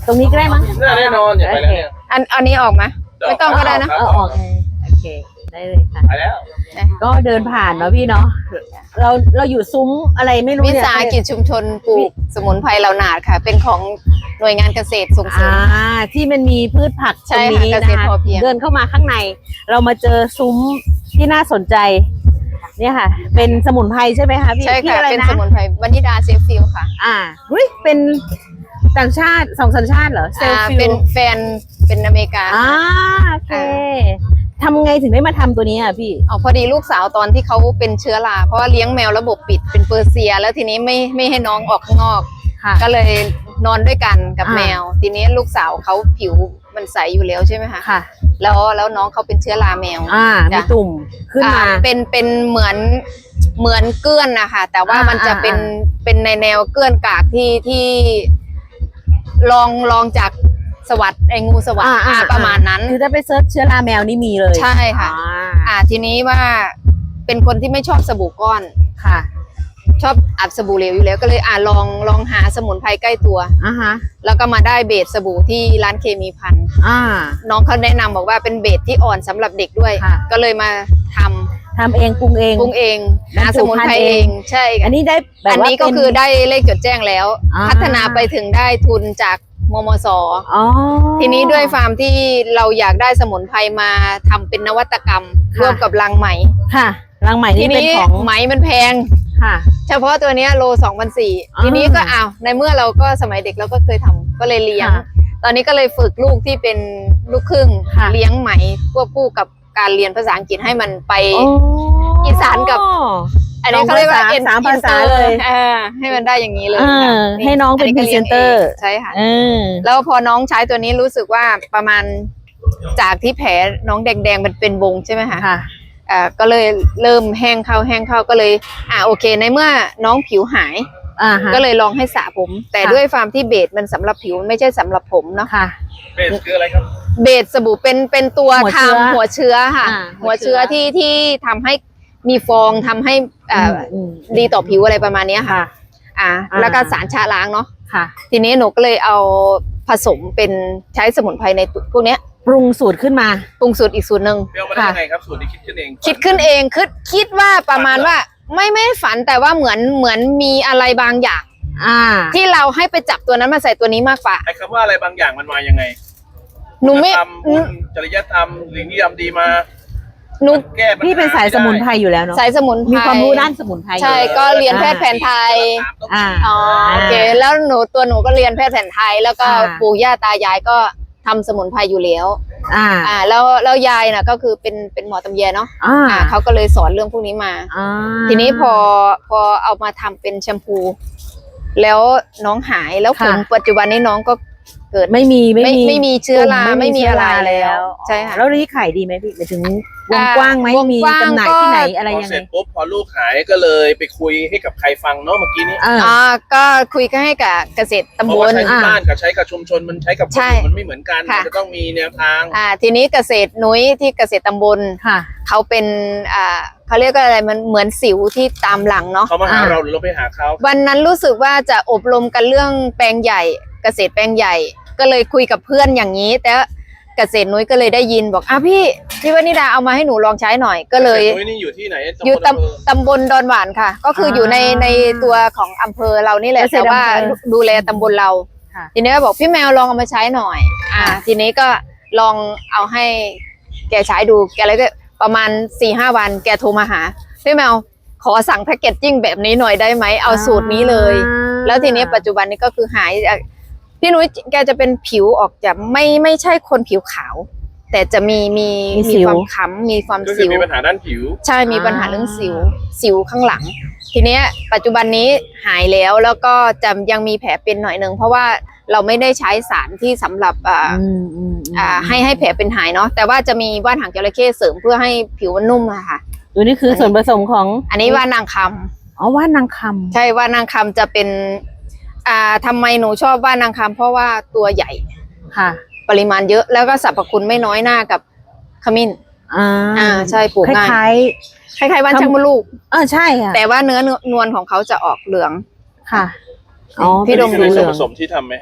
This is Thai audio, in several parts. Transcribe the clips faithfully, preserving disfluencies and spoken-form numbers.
ตรงนี้ก็ได้มั้งแน่นอนอย่าไปแล้วเนี่ยอันอันนี้ออกไหมไม่ต้องก็ได้นะเออออกโอเคได้เลยค่ะไปแล้วก็เดินผ่านเนาะพี่เนาะเราเราอยู่ซุ้มอะไรไม่รู้วิเนี่ยสาหกิจชุมชนปลูกสมุนไพรเหล่าหนาดค่ะ เป็นของหน่วยงานเกษตรส่งเสริอ่าม ที่มันมีพืชผักตใช่รงค่ะนี้เกนะษตรคะพอเพียงเดินเข้ามาข้างใน เรามาเจอซุ้มที่น่าสนใจ เนี่ยค่ะ เป็นสมุนไพรใช่ไหมคะพี่ใช่พี่ค่ะอะไรเป็นนะสมุนไพรวานิดาเซฟฟิลค่ะอ่าเฮ้ยเป็นต่างชาติสองสัญชาติเหรอเซลอ่าฟิเป็นลแฟนเป็นอเมริกาอ่าโอเคทำไงถึงได้มาทำตัวนี้อ่ะพี่อ๋อพอดีลูกสาวตอนที่เขาเป็นเชื้อราเพราะว่าเลี้ยงแมวระบบปิดเป็นเปอร์เซีย แล้วทีนี้ไม่ไม่ให้น้องออกข้างนอกค่ะก็เลยนอนด้วยกันกับอ่าแมว ทีนี้ลูกสาวเขาผิวมันใสอยู่แล้วใช่ไหมคะค่ะแล้วแล้วน้องเขาเป็นเชื้อราแมวอ่ามีจ้ะตุ่มขึ้นมาอ่เป็นเป็นเหมือนเหมือนเกื้อนนะคะแต่ว่าอ่ามัมันจะเป็นอ่าเป็นในแนวเกื้อนกากที่ที่ลองลองจากสวัสดไอ้งูสวัสดอ่าอ่าอ่าประมาณนั้นคือถ้าไปเซิร์ชเชื้อราแมวนี่มีเลยใช่ค่ะอ่าอ่าทีนี้ว่าเป็นคนที่ไม่ชอบสบู่ก้อนค่ะชอบอัดสบู่เหลวอยู่แล้วก็เลยอ่าลองลองหาสมุนไพรใกล้ตัวอ่าฮะแล้วก็มาได้เบสสบู่ที่ร้านเคมีพันธุ์อ่าน้องเขาแนะนำบอกว่าเป็นเบสที่อ่อนสำหรับเด็กด้วยค่ะก็เลยมาทำทำเองปรุงเองปรุงเองบรรจุหาสมุนไพรพันธุ์เอเองงใช่อันนี้ได้แบบอันว่านี้ก็เป็นคือได้เลขจดแจ้งแล้วอ่าพัฒนาไปถึงได้ทุนจากมมสอ๋อทีนี้ด้วยฟาร์มที่เราอยากได้สมุนไพรมาทำเป็นนวัตกรรมค่ะร่วมกับรังไหมค่ะรังใหม่ทีนี่เป็นนี้ของไหมมันแพงค่ะเฉพาะตัวเนี้ยโลสองพันสี่อ่าทีนี้ก็อ้าวในเมื่อเราก็สมัยเด็กเราก็เคยทำก็เลยเลี้ยงค่ะตอนนี้ก็เลยฝึกลูกที่เป็นลูกครึ่งค่ะเลี้ยงไหมควบคู่กับการเรียนภาษาอังกฤษให้มันไปโอ้อีสานกับ อันนี้เขาเรียกว่าสองภาษาอินสามภาษาอินตอร์เลยอ่าให้มันได้อย่างนี้เลยเออค่ะให้น้องเป็นก็ลี้ยง presenter งใช่ค่ะเออแล้วพอน้องใช้ตัวนี้รู้สึกว่าประมาณจากที่แผลน้องแดงๆมันเป็นวงใช่ไหมคะค่ะอ่าก็เลยเริ่มแห้งเข้าแห้งเข้าก็เลย อ่าโอเค ในเมื่อน้องผิวหายอ่าฮะก็เลยลองให้สระผม แต่ค่ะด้วยฟาร์มที่เบสมันสำหรับผิวไม่ใช่สำหรับผมเนาะค่ะเบสคืออะไรครับเบสสบู่เป็นเป็นตัวหัวเชื้อทำหัวเชื้อค่ะอ่าหัหัววเชื้เชื้ออที่ที่ทำให้มีฟองทำให้อ่าอืมดีต่อผิวอะไรประมาณเนี้ยค่ะค่ะอ่าอ่าแล้วก็สารชะล้างเนาะค่ะทีนี้หนูก็เลยเอาผสมเป็นใช้สมุนไพรในพวกเนี้ยปรุงสูตรขึ้นมาปรุงสูตรอีกสูตรหนึ่งเรียกมาได้ยังไงครับสูตรนี้คิดขึ้นเองคิดขึ้นเองคิดคิดว่าประมาณว่าไม่ไม่ฝันแต่ว่าเหมือนเหมือนมีอะไรบางอย่างอ่าที่เราให้ไปจับตัวนั้นมาใส่ตัวนี้มากกว่าไอ้คำว่าอะไรบางอย่างมันมายังไงหนูไม่ธรรมบุญจริยธรรมหรือนิยมดีมาหนูแก้ปัญหาพี่เป็นสายสมุนไพรอยู่แล้วเนาะสายสมุนไพรมีความรู้ด้านสมุนไพรอยู่ใช่แล้วก็เรียนแพทย์แผนไทยอ่าอ๋อโอเคแล้วหนูตัวหนูก็เรียนแพทย์แผนไทย แล้วก็อ่าปู่ย่าตายายก็ทำสมุนไพรอยู่แล้วอ่าอ่าแล้วแล้วยายน่ะก็คือเป็นเป็นหมอตำแยเนาะอ่าอ่าเขาก็เลยสอนเรื่องพวกนี้มาอ่าทีนี้พอพอเอามาทำเป็นแชมพู แล้วน้องหายแล้วผมปัจจุบันนี้น้องก็เกิดไม่มีไม่ไม่มีไม่มีเชื้อราตุ่ไม่มีอะไรเชื้แล้ว ใช่ค่ะแล้วนี่ขายดีไหมพี่หมายถึงวงอ่ากว้างไหมวงมีกว้างจำหน่ายก็ที่ไหนอะไรพอยังเสไงร็จปุ๊บพอลูกหายก็เลยไปคุยให้กับใครฟังเนาะเมื่อกี้นี้อ่าอ่าก็คุยกันให้กับเกษตรเพตำบราะว่าลใช้ที่บ้านกับใช้กับชุมชนมันใช้กับคนใช่อื่นมันไม่เหมือนกันค่ะมันจะต้องมีแนวทางอ่าทีนี้เกษตรนุ้ยที่เกษตรตำบลค่ะเขาเป็นอ่าเขาเรียกว่าอะไรมันเหมือนสิวที่ตามหลังเนาะเขามาหาอ่าเราหรือเราไปหาเขาวันนั้นรู้สึกว่าจะอบรมกันเรื่องแปลงใหญ่ เกษตรแปลงใหญ่ ก็เลยคุยกับเพื่อนอย่างนี้ แต่เกษตรนุ้ยก็เลยได้ยินบอกอ่ะพี่พี่วนิดาเอามาให้หนูลองใช้หน่อยก็เลยเฮ้ยนี่อยู่ที่ไหนอยู่ตำบลอำเภอตำตำบลดอนหวานค่ะ ก็คืออยู่ในในตัวของอำเภอเรานี่แหละเกษแต่ตรว่าอำเภอดูแลตำบลเราค่ะทีนี้ก็บอกพี่แมวลองเอามาใช้หน่อย อ่า ทีนี้ก็ลองเอาให้แกใช้ดูแกเลยก็ประมาณสี่ห้าวันแกโทรมาหาพี่แมวขอสั่งแพ็กเกจจิ้งแบบนี้หน่อยได้ไหมเอาสูตรนี้เลย แล้วทีนี้ปัจจุบันนี้ก็คือหายอ่ะพี่นุ้ยแกจะเป็นผิวออกจะไม่ไม่ใช่คนผิวขาว แต่จะมีมีมีสิมีวความค้ำมีความก็คืสิอวมีปัญหาด้านผิวใช่มีปัญหาเรื่องสิวสิวข้างหลัง ทีเนี้ยปัจจุบันนี้หายแล้วแล้วก็จะยังมีแผลเป็นหน่อยหนึ่งเพราะว่าเราไม่ได้ใช้สารที่สำหรับอ่าอืมอืมมอ่าให้ให้แผลเป็นหายเนาะแต่ว่าจะมีว่านหางจระเข้เสริมเพื่อให้ผิวมันนุ่มอะค่ะตัวนี้คือส่วนผสมของอันนี้ว่านางคำอ๋อว่านางคำใช่ว่านางคำจะเป็นอ่าทำไมหนูชอบว่านางคำเพราะว่าตัวใหญ่ค่ะปริมาณเยอะแล้วก็สรรพคุณไม่น้อยหน้ากับขมิ้นอ่าอ่าใช่ปลูกคง่ายล้ายคล้ายๆว่านช่างมดลูกๆเออใช่ค่ะแต่ว่าเนื้อนวลของเขาจะออกเหลืองค่ะอ๋อพี่ดมนี่ดูคือเหส่ลืวนอผงสมที่ทำไหมฮะ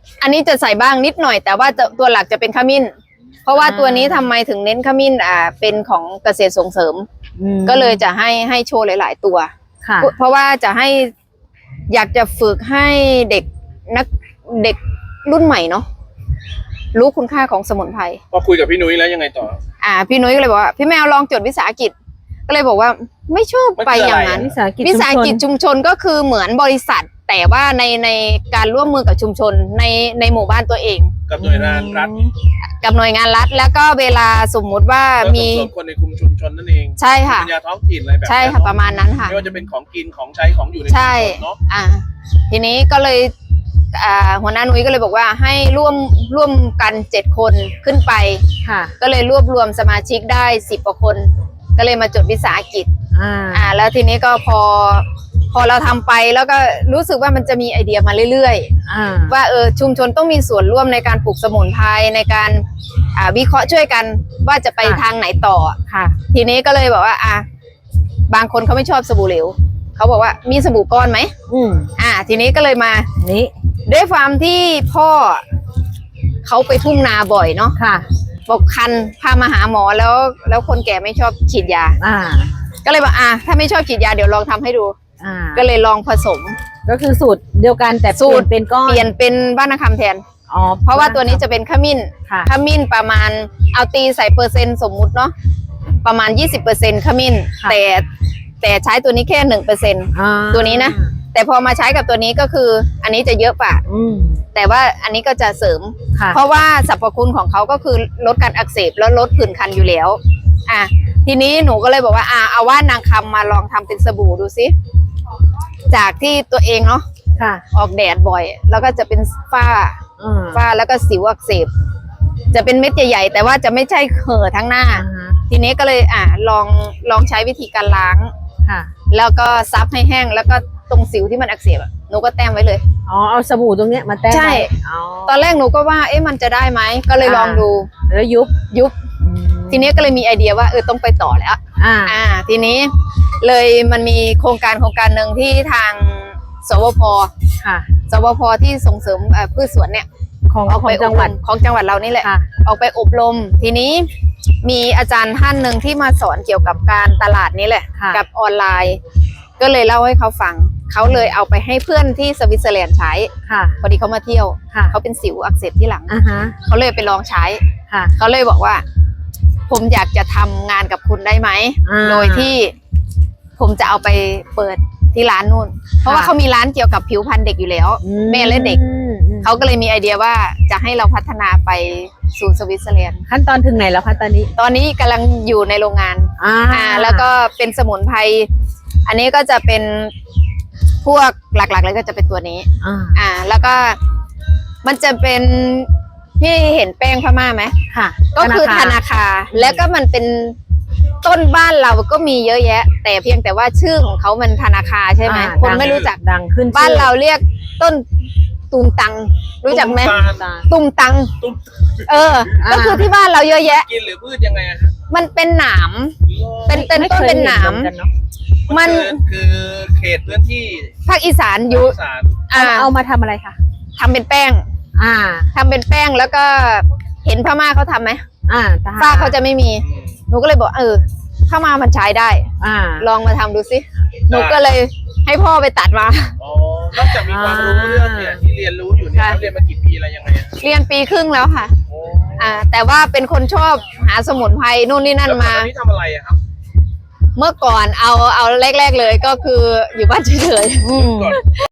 อันนี้จะใส่บ้างนิดหน่อย แต่ว่าจะตัวหลักจะเป็นขมิ้น เพราะว่าตัวนี้ทำไมถึงเน้นขมิ้นอ่าเป็นของเกษตรส่งเสริมอืมก็เลยจะให้ให้โชว์หลาย ๆ ตัวค่ะเพราะว่าจะให้อยากจะฝึกให้เด็กนักเด็กรุ่นใหม่เนาะรู้คุณค่าของสมุนไพรพอคุยกับพี่นุ้ยแล้วยังไงต่ออ่า พี่นุ้ยก็เลยบอกว่าพี่แมวลองจดวิสาหกิจ ก็เลยบอกว่าไม่ชอบไปอย่างนั้นวิสาหกิจวิสาหกิจชุมชนก็คือเหมือนบริษัท แต่ว่าในในการร่วมมือกับชุมชนในในหมู่บ้านตัวเองกับหน่วยงานรัฐกับหน่วยงานรัฐ แล้วก็เวลาสมมุติว่าแล้วมีส่งเสริมคนในคุมชุมชนนั่นเองใช่ค่ะปัญญาท้องถิ่นอะไรแบบใช่นี้ค่ะประมาณนั้นค่ะไม่ว่าจะเป็นของกินของใช้ของอยู่ในชุมใช่ชนเนาะอ่า ทีนี้ก็เลยอ่าหัวหน้านุ้ยก็เลยบอกว่าให้ร่วมร่วมกันเจ็ดคนขึ้นไปค่ะก็เลยรวบรวมสมาชิกได้สิบกว่าคน ก็เลยมาจดวิสาหกิจอ่าอ่า แล้วทีนี้ก็พอ พอเราทำไปแล้วก็รู้สึกว่ามันจะมีไอเดียมาเรื่อยอ่าๆ ว่าเออชุมชนต้องมีส่วนร่วมในการปลูกสมุนไพรในการอ่าวิเคราะห์ช่วยกันว่าจะไปทางไหนต่อค่ะทีนี้ก็เลยบอกว่าอ่ะบางคนเขาไม่ชอบสบู่เหลวเขาบอกว่ามีสบู่ก้อนไหมอืมอ่า ทีนี้ก็เลยมานี่ด้วยความที่พ่อเขาไปทุ่งนาบ่อยเนาะค่ะบอกคันพามาหาหมอแล้ว แล้วคนแก่ไม่ชอบฉีดยาอ่าก็เลยบอกอ่ะถ้าไม่ชอบฉีดยาเดี๋ยวลองทำให้ดูอ่าก็เลยลองผสมก็คือสูตรเดียวกันแต่สูตรเปลี่ยนเป็นก้อนเปลี่ยนเป็นบ้านนาคำแทนอ๋อเพราะว่าตัวนี้จะเป็นขมิ้นค่ะขมิ้นประมาณเอาตีใส่เปอร์เซ็นต์สมมุติเนาะประมาณ ยี่สิบเปอร์เซ็นต์ ขมิ้นค่ะแต่แต่ใช้ตัวนี้แค่ หนึ่งเปอร์เซ็นต์อ่าตัวนี้นะ แต่พอมาใช้กับตัวนี้ก็คืออันนี้จะเยอะกว่าอืมแต่ว่าอันนี้ก็จะเสริมค่ะเพราะว่าสรรพคุณของเขาก็คือลดการอักเสบแล้วลดผื่นคันอยู่แล้ว อ่ะทีนี้หนูก็เลยบอกว่าอ่ะเอาว่านางคำมาลองทำเป็นสบู่ดูสิจากที่ตัวเองเนาะค่ะออกแดดบ่อย แล้วก็จะเป็นฝ้าอ่าฝ้าแล้วก็สิวอักเสบจะเป็นเม็ดใหญ่ๆแต่ว่าจะไม่ใช่เห่อะทั้งหน้าอ่าฮะทีนี้ก็เลยอ่ะลองลองใช้วิธีการล้างค่ะแล้วก็ซับให้แห้งแล้วก็ตรงสิวที่มันอักเสบอะหนูก็แต้มไว้เลยอ๋อ เอาสบู่ตรงเนี้ยมาแต้มใช่ไว้อ๋อตอนแรกหนูก็ว่าเอ๊ะมันจะได้ไหมก็เลยลองดูแล้วยุบยุบอืมทีนี้ก็เลยมีไอเดียว่าเออต้องไปต่อแล้วอ่าอ่า ทีนี้เลยมันมีโครงการโครงการหนึ่งที่ทางสวพค่ะสวพที่ส่งเสริมเอ่อพืชสวนเนี่ยของออกขอไปงจังหวัดอบรมของจังหวัดเรานี่แหละค่ะออกไปอบรม ทีนี้มีอาจารย์ท่านหนึ่งที่มาสอนเกี่ยวกับการตลาดนี้แหละค่ะกับออนไลน์ ก็เลยเล่าให้เขาฟังเขาเลยเอาไปให้เพื่อนที่สวิตเซอร์แลนด์ใช้ค่ะพอดีเขามาเที่ยวค่ะเขาเป็นสิวอักเสบที่หลังอ่าฮะเขาเลยไปลองใช้ค่ะเขาเลยบอกว่า ผมอยากจะทำงานกับคุณได้ไหมอ่าโดยที่ผมจะเอาไปเปิดที่ร้านนู่น เพราะว่าเขามีร้านเกี่ยวกับผิวพรรณเด็กอยู่แล้วอืแม่และเด็กอืมอืมเขาก็เลยมีไอเดียว่าจะให้เราพัฒนาไปสู่สวิตเซอร์แลนด์ขั้นตอนถึงไหนแล้วคะตอนนี้ตอนนี้กำลังอยู่ในโรงงานอ่าอ่า แล้วก็เป็นสมุนไพร อันนี้ก็จะเป็นพวกหลักๆเลยก็จะเป็นตัวนี้อ่าอ่า แล้วก็มันจะเป็นที่เห็นแป้งพม่าไหมค่ะก็คือธนาคารแล้วก็มันเป็นต้นบ้านเราก็มีเยอะแยะ แต่เพียงแต่ว่าชื่อของเขามันธนาคารใช่ไหมอ่าคนดังไม่รู้จักดังขึ้นบ้านเราเรียกต้นตุมตัง รู้จักไหมตุ้ตาลตุมตังตุ้มเออ ก็คือที่บ้านเราเยอะแยะกินหรือพืชยังไงอะฮะมันเป็นหนาม เป็นเป็นไม่ต้นคยเป็นหนามเหมือกัเอะมันคือคือเขตพื้นที่ภาคอีสานอยู่สารอ่าเอาเอามาทำอะไรคะทำเป็นแป้งอ่าทำเป็นแป้งแล้วก็เห็นพม่าเขาทำไหมอ่าทหรฝ้าเขาจะไม่มีอืมหนูก็เลยบอกเออพม่ามันใช้ได้อ่าลองมาทำดูสิหนูก็เลยให้พ่อไปตัดมาอ๋อนอกจากมีความรู้เรื่องเนี่ยที่เรียนรู้อยู่เนี่ยค่ะเขาเรียนมากี่ปีอะไรยังไงอะเรียนปีครึ่งแล้วค่ะโอ้อ่า แต่ว่าเป็นคนชอบหาสมุนไพรนู่นนี่นั่นแล้วก่อนมาหน้านี้ทำอะไรอะครับเมื่อก่อนเอาเอาแรก ๆเลยก็คืออยู่บ้านเฉยๆอืมก่อน